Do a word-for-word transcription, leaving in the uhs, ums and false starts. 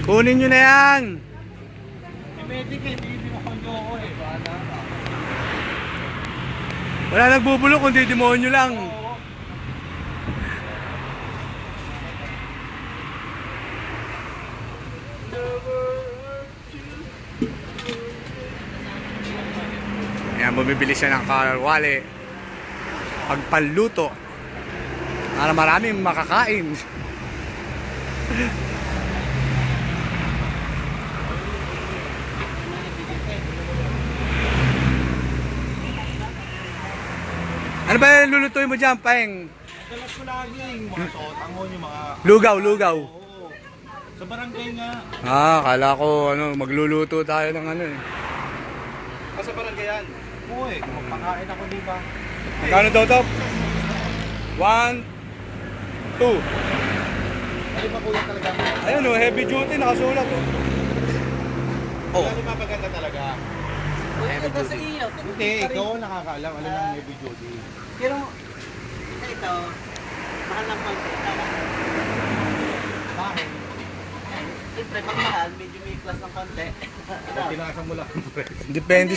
Kunin nyo na yan. Eh, medic eh, hindi mo konyo ako eh. Bahala ka. Wala nagbubulok kundi demonyo lang. Oo. Ayan, bumibili siya ng kalawali. Pagpaluto. Para maraming makakain. Ano ba yung lulutuin mo dyan, Paeng? Dalas ko lagi yung mga sotangon, yung mga... Lugaw, lugaw. Oo. Sa barangay nga. Ah, kala ko ano, magluluto tayo ng ano eh. Ah, sa barangay yan? Oo eh, magpakain ako di ba? Magkano daw to? One, two. Ano ba kuya talaga? Ayun oh, heavy duty, nakasulat oh. Oh. Ano ba maganda talaga? Heavy duty. Hindi, ikaw ang nakakaalam. Alam ng heavy duty. Pero ito, mahal ng konti. Bakit? Siyempre, pag mahal, medyo may class ng konti. Pag tinasan mo lang. Depende